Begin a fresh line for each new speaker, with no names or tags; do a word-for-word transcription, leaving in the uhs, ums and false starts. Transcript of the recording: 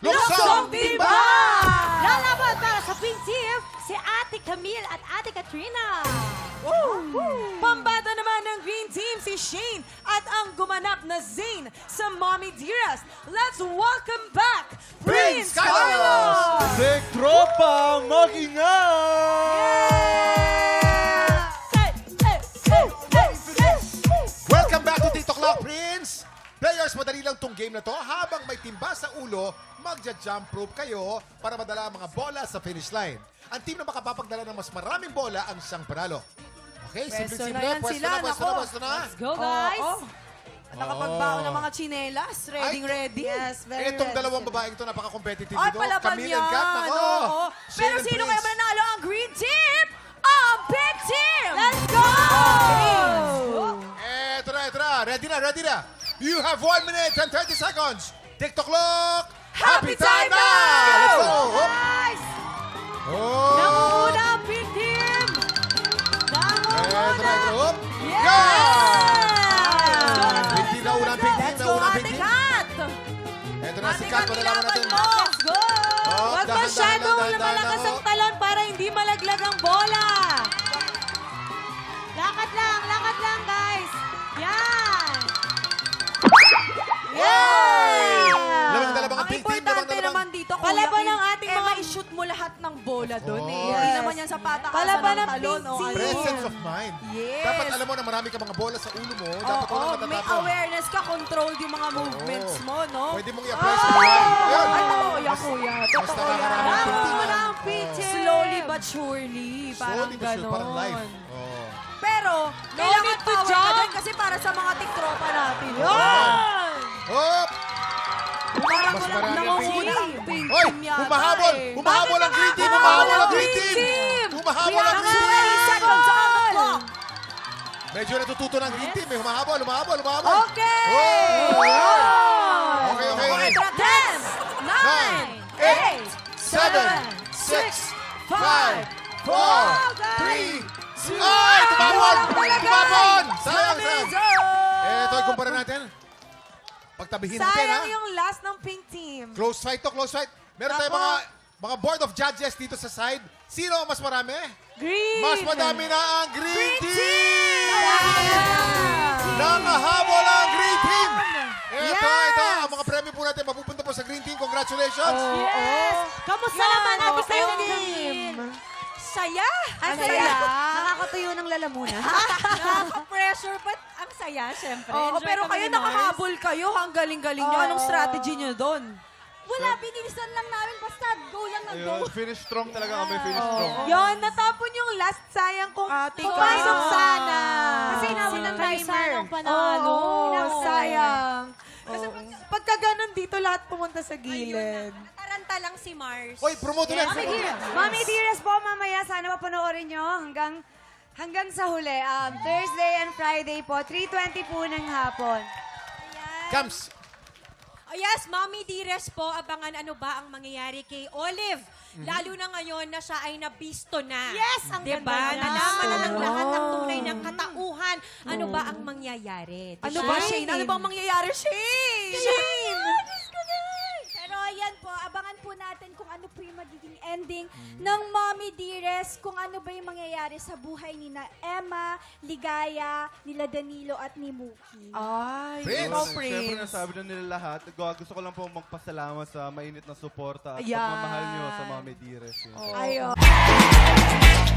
Luksong Timba!
Lalaban para sa Pink Team, si Ate Camille at Ate Katrina.
Pambata naman ng Green Team si Shane at ang gumanap na Zane sa Mommy Dearest. Let's welcome back Prince Carlos!
Sek Tropa, mag-ingat!
Welcome back to TikTok Clock, Prince! Players, madali lang tong game na to. Habang may timba sa ulo, magja-jump rope kayo para madala ang mga bola sa finish line. Ang team na makapapagdala ng mas maraming bola ang siyang panalo. Okay,
Pwesto
simple-simple.
na yan
Pwesto
sila,
na, pwesto na,
nako.
pwesto na.
Let's go, guys.
Oo. At nakapagbaon ng mga chinelas. Ready,
Ay,
ready.
Yes, very
Itong
ready
dalawang
sila.
babaeng ito, napaka-competitive
Ay,
dito.
palaban
Camille
yan.
and Kat, nako.
Oo.
Shane
Pero
and
sino
Prince.
kaya mananalo? Ang Green Team! Ang Pink Team!
Let's go!
Eto na, eto na. Ready na, ready na. You have one minute and thirty seconds. TikTok Clock.
Happy time
na!
now!
Let's go. Hop.
Guys!
Oh.
Nangunguna ang Pink Team!
Eto na,
Nangunguna!
eto na. Hop.
Yes!
Go!
Let's
Pink Team, nauna ang Pink Team.
Let's go,
Nauna ang
Ate
Pink Team.
Kat!
Eto na si
Ate
Kat.
Kat,
Malalaman natin.
ilaban mo!
Let's go!
Oh,
Huwag
dahan,
masyadong
dahan, dahan,
lumalakas
dahan,
ang
oh.
talon para hindi malaglag ang bola. Lakad lang, lakad lang, guys. Yan! Yeah!
Lamang dalawang
Ang
Pink Team.
importante
Lamang dalawang.
naman dito,
Palaban
Kuya
ng
Kim,
ating
eh,
mga-
mai-shoot mo lahat ng bola doon eh.
course.
Hindi
Yes.
naman yan sa patakasan
Palaban
ng
ng
talon.
Pink
o ano.
Presence of mind.
Yes.
Dapat alam mo na marami ka mga bola sa ulo mo. Dapat
Oo,
wala
may
matatapon.
awareness ka, controlled yung mga movements
Oo.
mo, no?
Pwede mong i-apply sa buhay. Ayun.
Ay, totoo yan, kuya.
Mas
Totoo yan.
nakakaramang Pink Team.
Nangunguna
ah.
ang Pink Team.
Slowly but surely. Parang
Slowly but sure,
ganon.
parang life. Oh.
Pero,
No
kailangan
need to
power ka
jump.
din kasi para sa mga tiktropa natin.
Yan!
Hop!
Parang
Mas
walang
marami ang
nangunguna
Pink
ang Pink
Hoy!
Team yata
Humahabol!
eh.
Humahabol ang Green Team! Humahabol ang Green Team! Humahabol ang Green Team!
twenty seconds on the clock.
Medyo natututo ng Green Team eh. Humahabol, humahabol, humahabol.
Okay!
Oh!
Wow!
Okay, okay, okay.
ten, nine, eight,
seven, six, five, four, three, two, ay! Tumabon! Tumabon! Sayang, sayang. Eto, ikumpara natin. Pagtabihin natin, ha?
Sayang yung last ng Pink Team.
Close fight to, close fight. Meron tayong
Ako.
mga mga board of judges dito sa side. Sino ang mas marami?
Green!
Mas madami na ang Green
Green
Team!
Team!
Nangahabol ang Green Team! Ito,
Yes!
ito. Ang mga premyo po natin mapupunta po sa Green Team. Congratulations!
Yes! Kamusta
Yan,
naman
oh,
Ate
team.
Camille?
Saya!
Ang
Ang
saya.
saya.
Nakakatuyo ng lalamunan.
Nakaka-pressure, but ang saya, syempre. Oo,
Enjoy
pero
kami
kayo
ni Mars.
nakahabol kayo. Ang galing-galing nyo.
Oo.
Anong strategy nyo doon?
Wala, binilisan lang namin. Basta go lang ng go.
Ayun, finish strong talaga kami, finish strong.
Yon, natapon yung last sayang kung
Ate
pumasok
Ka.
sana.
Kasi inabot ng timer. panalo.
Oo,
Inabot ng
sayang. Kasi pag, pagka ganun dito, lahat pumunta sa gilid.
Taranta lang si Mars.
Hoy, promote ulit.
Mami Dearest. Mami Dearest po, mamaya sana mapanoorin nyo hanggang hanggang sa huli. Um, Thursday and Friday po, three twenty po ng hapon.
Cams,
Oh yes, Mommy Dearest po, abangan ano ba ang mangyayari kay Olive. Lalo na ngayon na siya ay nabisto na.
Yes, ang
diba?
ganda niya.
Nalaman na ng
Oo.
lahat ng tunay ng katauhan. Ano ba ang mangyayari?
Ano
Diba?
ba, Shane? Ano bang mangyayari, Shane?
Shane!
Pero ayan po, abangan po natin kung ano po yung magiging ending ng Mommy Dearest, kung ano ba yung mangyayari sa buhay ni na Emma, Ligaya, nila Danilo at ni Mookie.
Ay,
Prince.
ikaw,
Siyempre,
Prince.
nasabi na nila lahat. Gu- Gusto ko lang po magpasalamat sa mainit na suporta at
Ayan.
pagmamahal nyo sa Mami Dearest. Yun.
Ayun.